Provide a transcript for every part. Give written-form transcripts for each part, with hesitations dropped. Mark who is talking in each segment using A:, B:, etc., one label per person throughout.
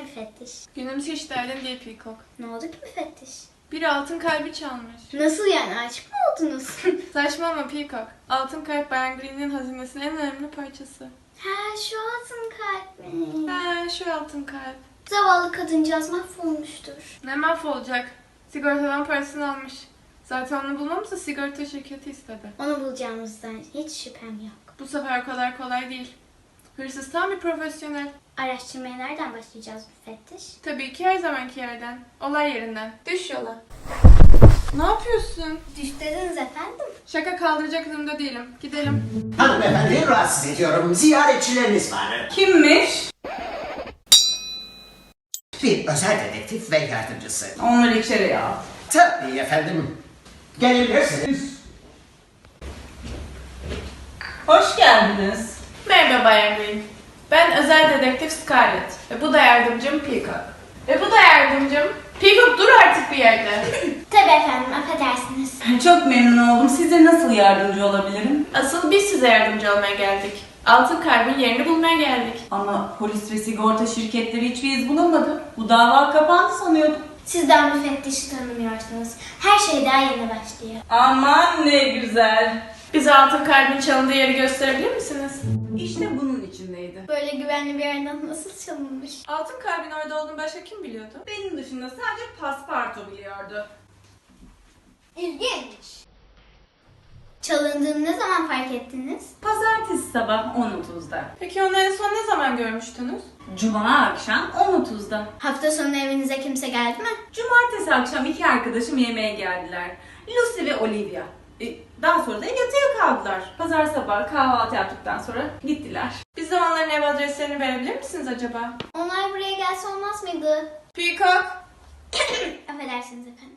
A: müfettiş?
B: Günümüz hiç derdin değil Peacock.
A: Ne oldu ki müfettiş?
B: Biri altın kalbi çalmış.
A: Nasıl yani, aşık mı oldunuz?
B: Saçmalama Peacock. Altın kalp Bayan Green'in hazinesinin en önemli parçası.
A: Ha, şu altın kalp mi?
B: Ha, şu altın kalp.
A: Zavallı kadıncağız mahvolmuştur.
B: Ne mahvolacak? Sigortadan parasını almış. Zaten onu bulmamızı sigorta şirketi istedi.
A: Onu bulacağımızdan hiç şüphem yok.
B: Bu sefer o kadar kolay değil. Hırsız tam bir profesyonel.
A: Araştırmaya nereden başlayacağız müfettiş?
B: Tabii ki her zamanki yerden. Olay yerinden. Düş yola. Ne yapıyorsun?
A: Düş dediniz efendim.
B: Şaka kaldıracak durumda değilim. Gidelim.
C: Hanımefendi rahatsız ediyorum. Ziyaretçileriniz var.
D: Kimmiş?
C: Bir özel dedektif ve yardımcısı.
D: Onları içeri al.
C: Tabii efendim. Gelebilirsiniz.
D: Hoş geldiniz.
B: Merhaba Bayan Green. Ben özel dedektif Scarlett. Ve bu da yardımcım Peacock. Ve bu da yardımcım... Peacock dur artık bir yerde.
A: Tabii efendim, affedersiniz.
D: Çok memnun oldum. Size nasıl yardımcı olabilirim?
B: Asıl biz size yardımcı olmaya geldik. Altın kalbin yerini bulmaya geldik.
D: Ama polis ve sigorta şirketleri hiçbir iz bulamadı. Bu dava kapandı sanıyordum.
A: Sizden müfettişi tanımıyorsunuz. Her şey daha yeni başlıyor.
D: Aman ne güzel.
B: Bize altın kalbin çalındığı yeri gösterebilir misiniz?
D: İşte bunun içindeydi.
A: Böyle güvenli bir yerden nasıl çalınmış?
B: Altın kalbin orada olduğunu başka kim biliyordu?
D: Benim dışında sadece pasparto biliyordu.
A: İlginç. Çalındığını ne zaman fark ettiniz?
D: Pazartesi sabah 10.30'da.
B: Peki onu en son ne zaman görmüştünüz?
D: Cuma akşam 10.30'da.
A: Hafta sonu evinize kimse geldi mi?
D: Cumartesi akşam iki arkadaşım yemeğe geldiler. Lucy ve Olivia. Daha sonra da yatıya kaldılar. Pazar sabahı kahvaltı yaptıktan sonra gittiler.
B: Bize onların ev adreslerini verebilir misiniz acaba?
A: Onlar buraya gelse olmaz mıydı?
B: Peacock!
A: Affedersiniz efendim.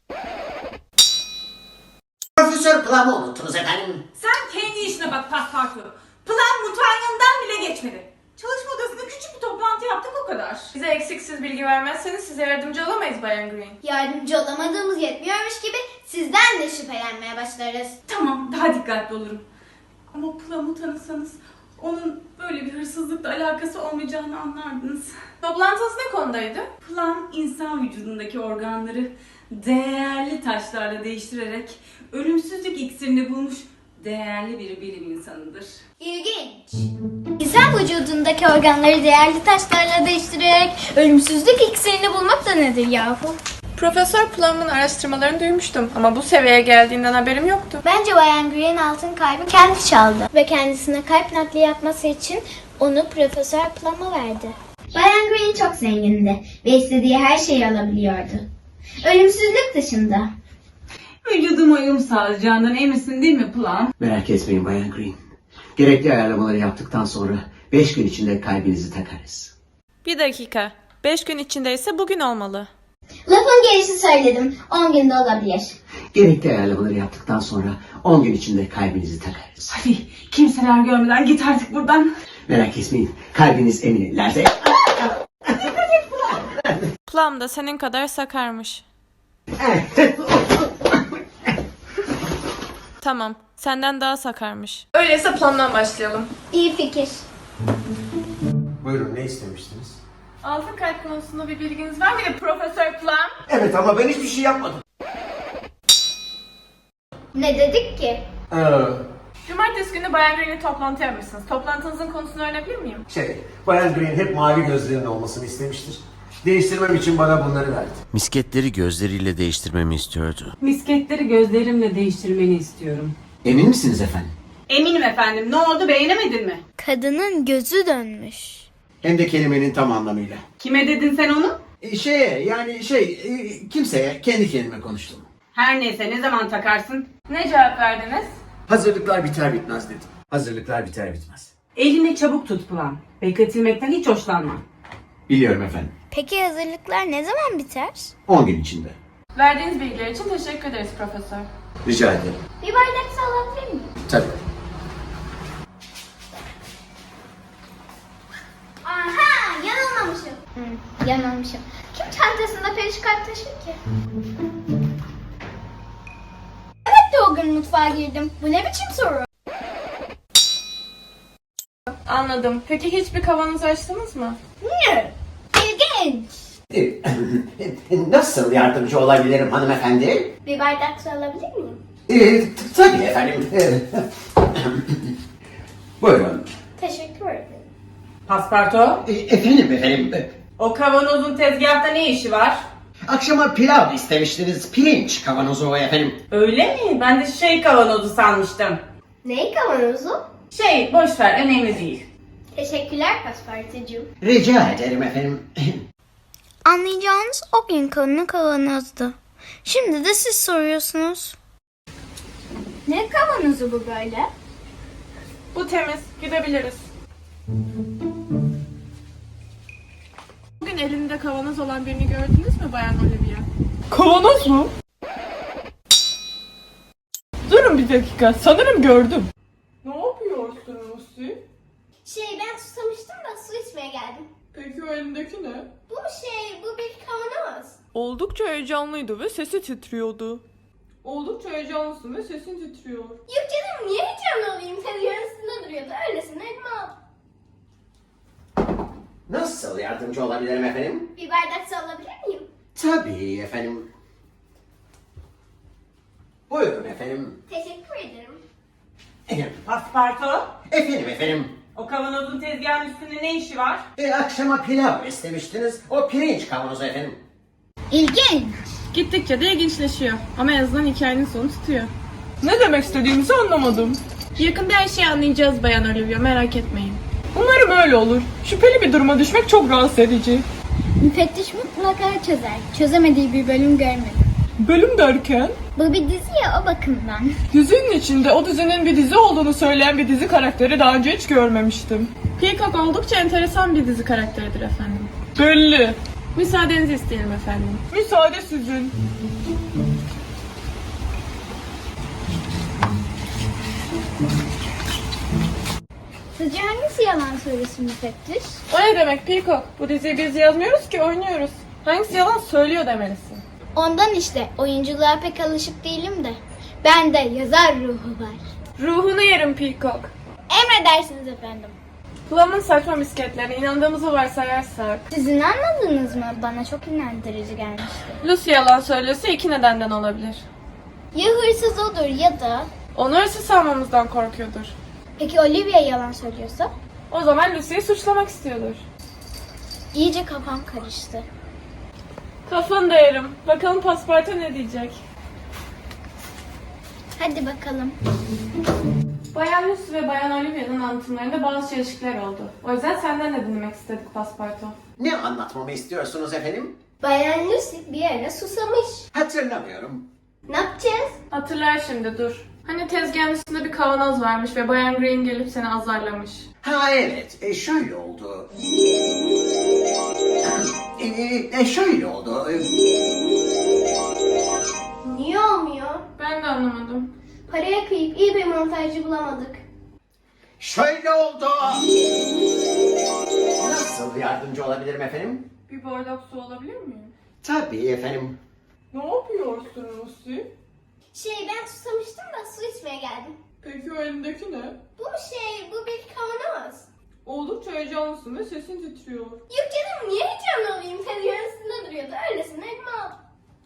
C: Profesör Plum'u unuttunuz efendim.
D: Sen kendi işine bak paspartu. Plan mutfağın yanından bile geçmedi. Çalışma odasında küçük bir toplantı yaptık o kadar.
B: Bize eksiksiz bilgi vermezseniz size yardımcı olamayız Bayan Green.
A: Yardımcı olamadığımız yetmiyormuş gibi sizden de şüphelenmeye başlarız.
D: Tamam, daha dikkatli olurum. Ama Plum'u tanısanız onun böyle bir hırsızlıkla alakası olmayacağını anlardınız.
B: Toplantınız ne konudaydı?
D: Plum insan vücudundaki organları değerli taşlarla değiştirerek ölümsüzlük iksirini bulmuş değerli bir bilim insanıdır.
A: İlginç. İnsan vücudundaki organları değerli taşlarla değiştirerek ölümsüzlük iksirini bulmak da nedir yahu?
B: Profesör Plum'un araştırmalarını duymuştum ama bu seviyeye geldiğinden haberim yoktu.
A: Bence Bayan Green altın kalbi kendi çaldı. Ve kendisine kalp nakli yapması için onu Profesör Plum'a verdi. Bayan Green çok zengindi ve istediği her şeyi alabiliyordu. Ölümsüzlük dışında.
D: Vücuduma uyum sağlayacağından eminsin değil mi Plum?
C: Merak etmeyin Bayan Green. Gerekli ayarlamaları yaptıktan sonra 5 gün içinde kalbinizi takarız.
B: Bir dakika. 5 gün içindeyse bugün olmalı.
A: Lafın gelişi söyledim. 10 günde olabilir.
C: Gerekli ayarlamaları yaptıktan sonra 10 gün içinde kalbinizi takarız.
D: Hadi kimseler görmeden git artık buradan.
C: Merak etmeyin. Kalbiniz emin ellerde.
B: Plum da senin kadar sakarmış. Tamam. Senden daha sakarmış. Öyleyse Plum'dan başlayalım.
A: İyi fikir.
E: Buyurun, ne istemiştiniz?
B: Altın kalp konusunda bir bilginiz var mıydı Profesör Plum?
E: Evet ama ben hiçbir şey yapmadım.
A: Ne dedik ki?
B: Cumartesi günü Bayan Green'le toplantı yapmışsınız. Toplantınızın konusunu öğrenebilir miyim?
E: Bayan Green hep mavi gözlerinin olmasını istemiştir. Değiştirmem için bana bunları verdi.
F: Misketleri gözleriyle değiştirmemi istiyordu.
D: Misketleri gözlerimle değiştirmeni istiyorum.
C: Emin misiniz efendim?
D: Eminim efendim. Ne oldu, beğenemedin mi?
A: Kadının gözü dönmüş.
E: Hem de kelimenin tam anlamıyla.
D: Kime dedin sen onu?
E: Kimseye kendi kendime konuştum.
D: Her neyse, ne zaman takarsın?
B: Ne cevap verdiniz?
E: Hazırlıklar biter bitmez dedim. Hazırlıklar biter bitmez.
D: Elini çabuk tut Plum. Bekletilmekten hiç hoşlanmam.
E: Biliyorum efendim.
A: Peki hazırlıklar ne zaman biter?
E: 10 gün içinde.
B: Verdiğiniz bilgiler için teşekkür ederiz Profesör.
E: Rica ederim.
A: Bir bardak su alabilir miyim?
E: Tabii.
A: Aha, yanılmamışım. Yanılmışım. Kim çantasında perişkart taşır ki? Evet de o gün mutfağa girdim. Bu ne biçim soru?
B: Anladım. Peki hiç bir kavanoz açtınız mı?
A: Ne? İlginç.
C: Nasıl yardımcı olabilirim hanımefendi?
A: Bir bardak su alabilir miyim?
C: Tabii efendim. Buyurun.
A: Teşekkür ederim.
D: Pasparto,
C: Efendim.
D: o kavanozun tezgahta ne işi var?
C: Akşama pilav istemiştiniz. Pirinç kavanozu efendim.
D: Öyle mi? Ben de kavanozu sanmıştım.
A: Ney kavanozu?
D: Boş ver, önemli değil.
A: Teşekkürler Paspartucuğum.
C: Rica ederim efendim.
A: Anlayacağınız o gün konu kavanozdu. Şimdi de siz soruyorsunuz. Ne kavanozu bu böyle?
B: Bu temiz. Gidebiliriz. Bugün elinde kavanoz olan birini gördünüz mü Bayan Olivia? Kavanoz mu? Durun bir dakika. Sanırım gördüm. Ne yapıyorsun Lucy?
A: Ben susamıştım da su içmeye geldim.
B: Peki o elindeki ne?
A: Bu bir kavanoz.
B: Oldukça heyecanlıydı ve sesi titriyordu. Oldukça heyecanlısın ve sesin titriyor.
A: Yok canım niye heyecanlı olayım? Tezgahın üstünde duruyordu. Öylesine elime aldım.
C: Nasıl yardımcı olabilirim efendim?
A: Bir bardak su alabilir miyim?
C: Tabii efendim. Buyurun efendim.
A: Teşekkür ederim.
D: Pasparto,
C: Efendim.
D: o kavanozun tezgahın üstünde ne işi var?
C: Akşama pilav istemiştiniz. O pirinç kavanozu efendim.
A: İlginç.
B: Gittikçe de ilginçleşiyor. Ama en azından hikayenin sonu tutuyor. Ne demek istediğimizi anlamadım. Yakında her şeyi anlayacağız Bayan Olivia, merak etmeyin. Umarım öyle olur. Şüpheli bir duruma düşmek çok rahatsız edici.
A: Müfettiş mutlaka çözer. Çözemediği bir bölüm görmedim.
B: Bölüm derken?
A: Bu bir dizi ya o bakımdan.
B: Dizinin içinde o dizinin bir dizi olduğunu söyleyen bir dizi karakteri daha önce hiç görmemiştim. Peacock oldukça enteresan bir dizi karakteridir efendim. Belli. Müsaadenizi isteyelim efendim. Müsaade sizin.
A: Sizce hangisi yalan söylesin müfettiş?
B: O ne demek Peacock? Bu diziyi biz yazmıyoruz ki oynuyoruz. Hangisi yalan söylüyor demelisin.
A: Ondan işte oyunculuğa pek alışık değilim de. Bende yazar ruhu var.
B: Ruhunu yerim Peacock.
A: Emredersiniz efendim.
B: Plum'un saçma misketlerine inandığımızı varsayarsak.
A: Sizin anladınız mı? Bana çok inandırıcı gelmişti.
B: Lucy yalan söylüyorsa iki nedenden olabilir.
A: Ya hırsız odur ya da...
B: Onu hırsız sanmamızdan korkuyordur.
A: Peki Olivia yalan söylüyorsa?
B: O zaman Lucy'yi suçlamak istiyordur.
A: İyice kafam karıştı.
B: Kafanı da yerim. Bakalım Paspartu ne diyecek?
A: Hadi bakalım.
B: Bayan Lucy ve Bayan Olivia'nın anlatımlarında bazı çelişkiler oldu. O yüzden senden de dinlemek istedik Paspartu.
C: Ne anlatmamı istiyorsunuz efendim?
A: Bayan Lucy bir ara susamış.
C: Hatırlamıyorum.
A: Ne yapacağız?
B: Hatırlar şimdi dur. Hani tezgahın üstünde bir kavanoz varmış ve Bayan Green gelip seni azarlamış.
C: Ha evet, şöyle oldu. Şöyle oldu.
A: Niye olmuyor?
B: Ben de anlamadım.
A: Paraya kıyıp iyi bir montajcı bulamadık.
C: Şöyle oldu. Nasıl yardımcı olabilirim efendim?
B: Bir bardak su alabilir miyim?
C: Tabii efendim.
B: Ne yapıyorsun Lucy?
A: Ben susamıştım da su içmeye geldim.
B: Peki o elindeki ne?
A: Bu bir kavanoz.
B: Oldukça heyecanlısın ve sesin titriyor.
A: Yok canım niye heyecanlı olayım? Tezgahın üstünde duruyordu. Öylesine elime aldım.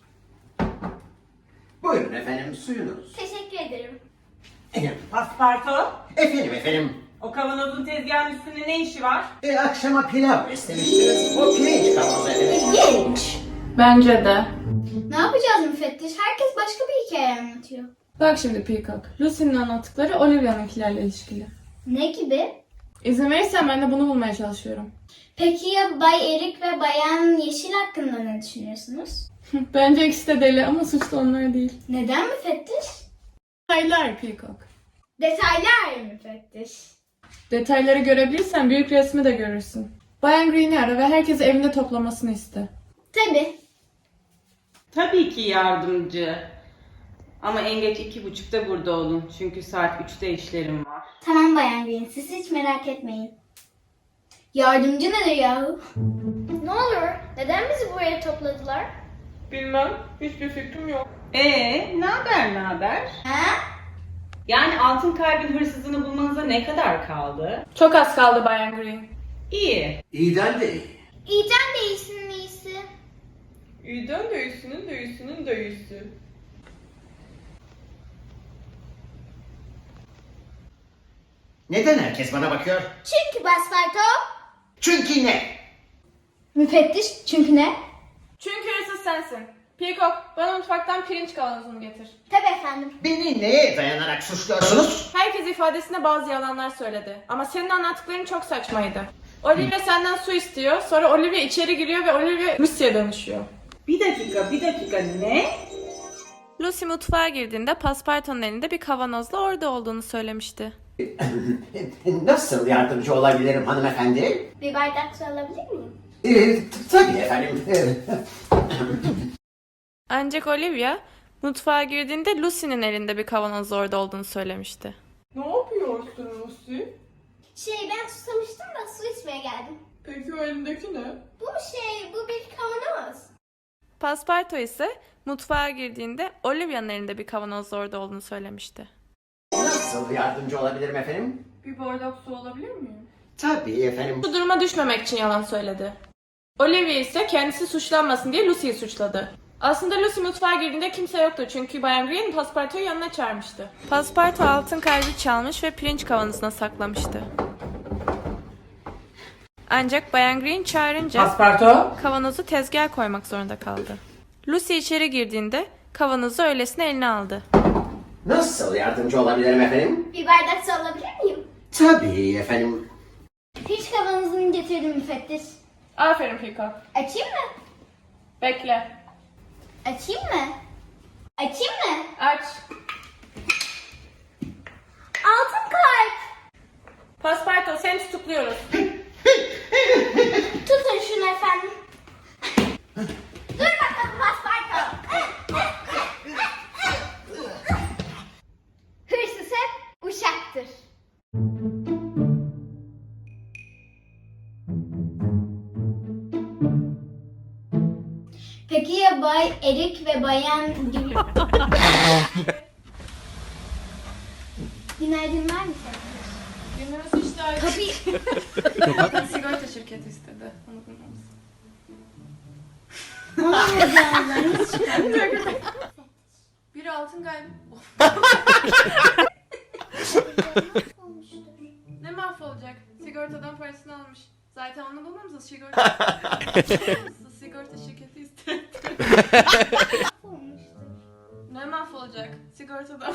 C: Buyurun efendim, suyunuz.
A: Teşekkür ederim.
D: Pasparto,
C: Efendim.
D: o kavanozun tezgahın üstünde ne işi var?
C: Akşama pilav istemiştiniz. O pirinç kavanozu efendim.
A: İlginç.
B: Bence de.
A: Ne yapacağız müfettiş? Herkes başka bir hikaye anlatıyor.
B: Bak şimdi Peacock. Lucy'nin anlattıkları Olivia'nınkilerle ilişkili.
A: Ne gibi?
B: İzin verirsen ben de bunu bulmaya çalışıyorum.
A: Peki ya Bay Erik ve Bayan Yeşil hakkında ne düşünüyorsunuz?
B: Bence ikisi de deli ama suçlu onlar değil.
A: Neden müfettiş?
B: Detaylar Peacock.
A: Detaylar müfettiş.
B: Detayları görebilirsen büyük resmi de görürsün. Bayan Green'i ara ve herkesi evinde toplamasını iste.
A: Tabii.
D: Tabii ki yardımcı. Ama en geç 2:30'da burada olun. Çünkü saat 3'te işlerim var.
A: Tamam Bayan Green, siz hiç merak etmeyin. Yardımcı nedir yahu? Ne olur, neden bizi buraya topladılar?
B: Bilmem. Hiçbir fikrim yok.
D: Ne haber?
A: Ha?
D: Yani altın kalbin hırsızını bulmanıza ne kadar kaldı?
B: Çok az kaldı Bayan Green.
D: İyi.
E: İyiden de iyi.
A: İyiden de iyisinin iyisi.
B: İyiden de iyisinin de iyisinin de iyisi.
C: Neden herkes bana bakıyor?
A: Çünkü Pasparto.
C: Çünkü ne?
A: Müfettiş çünkü ne?
B: Çünkü hırsız sensin. Peacock, bana mutfaktan pirinç kavanozunu getir.
A: Tabii efendim.
C: Beni neye dayanarak suçluyorsunuz?
B: Herkes ifadesinde bazı yalanlar söyledi. Ama senin anlattıkların çok saçmaydı. Olivia senden su istiyor, sonra Olivia içeri giriyor ve Olivia Lucy'ye dönüşüyor.
D: Bir dakika ne?
B: Lucy mutfağa girdiğinde Pasparto'nun elinde bir kavanozla orada olduğunu söylemişti.
C: Nasıl yardımcı olabilirim hanımefendi?
A: Bir bardak su alabilir miyim?
C: Tabii efendim.
B: Ancak Olivia mutfağa girdiğinde Lucy'nin elinde bir kavanozla orada olduğunu söylemişti. Ne yapıyorsun Lucy?
A: Ben susamıştım da su içmeye geldim.
B: Peki o elindeki ne?
A: Bu bir kavanoz.
B: Pasparto ise mutfağa girdiğinde Olivia'nın elinde bir kavanozla orada olduğunu söylemişti.
C: Nasıl yardımcı olabilirim efendim?
B: Bir bardak su alabilir miyim?
C: Tabii efendim.
B: Bu duruma düşmemek için yalan söyledi. Olivia ise kendisi suçlanmasın diye Lucy'yi suçladı. Aslında Lucy mutfağa girdiğinde kimse yoktu çünkü Bayan Green Pasparto'yu yanına çağırmıştı. Pasparto altın kalbi çalmış ve pirinç kavanozuna saklamıştı. Ancak Bayan Green çağırınca
G: Pasparto.
B: kavanozu tezgaha koymak zorunda kaldı. Lucy içeri girdiğinde kavanozu öylesine eline aldı.
C: Nasıl yardımcı olabilirim efendim?
A: Bir bardak su alabilir miyim?
C: Tabii efendim.
A: Pirinç kavanozunu getirdim müfettiş.
B: Aferin Peacock.
A: Açayım mı?
B: Bekle.
A: Açayım mı? Açayım mı?
B: Aç.
A: Altın kalp.
B: Pasparto seni tutukluyoruz.
A: Tutun şunu efendim. Dur bakalım Pasparto. Hırsız hep uşaktır. Peki ya Bay Erik ve Bayan... Günaydın var mı sen?
B: Günümüz işte ayrı.
A: Tabii.
B: Sigorta şirketi istedi. Onu bulmamız. Biri altın kalbi. Ne mahvolacak? Sigortadan parasını almış. Zaten onu bulmamız sigorta şirketi istedi. Ne mahvolacak? Sigortadan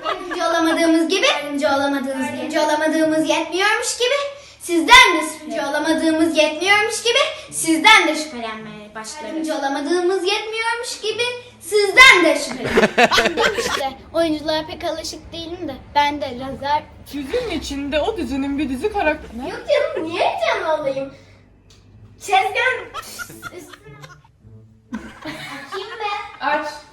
A: Yardımcı olamadığımız yetmiyormuş gibi sizden de şüphe olamadığımız yetmiyormuş gibi sizden de şüphelenmeye başlarız. Yardımcı olamadığımız yetmiyormuş gibi sizden de şüphelenmeye. işte oyunculuğa pek alışık değilim de ben de lazer...
B: Dizinin içinde o dizinin bir dizi karakteri.
A: Yok canım niye canlı olayım? Çezgen üstüne... Kim be?
B: Aç.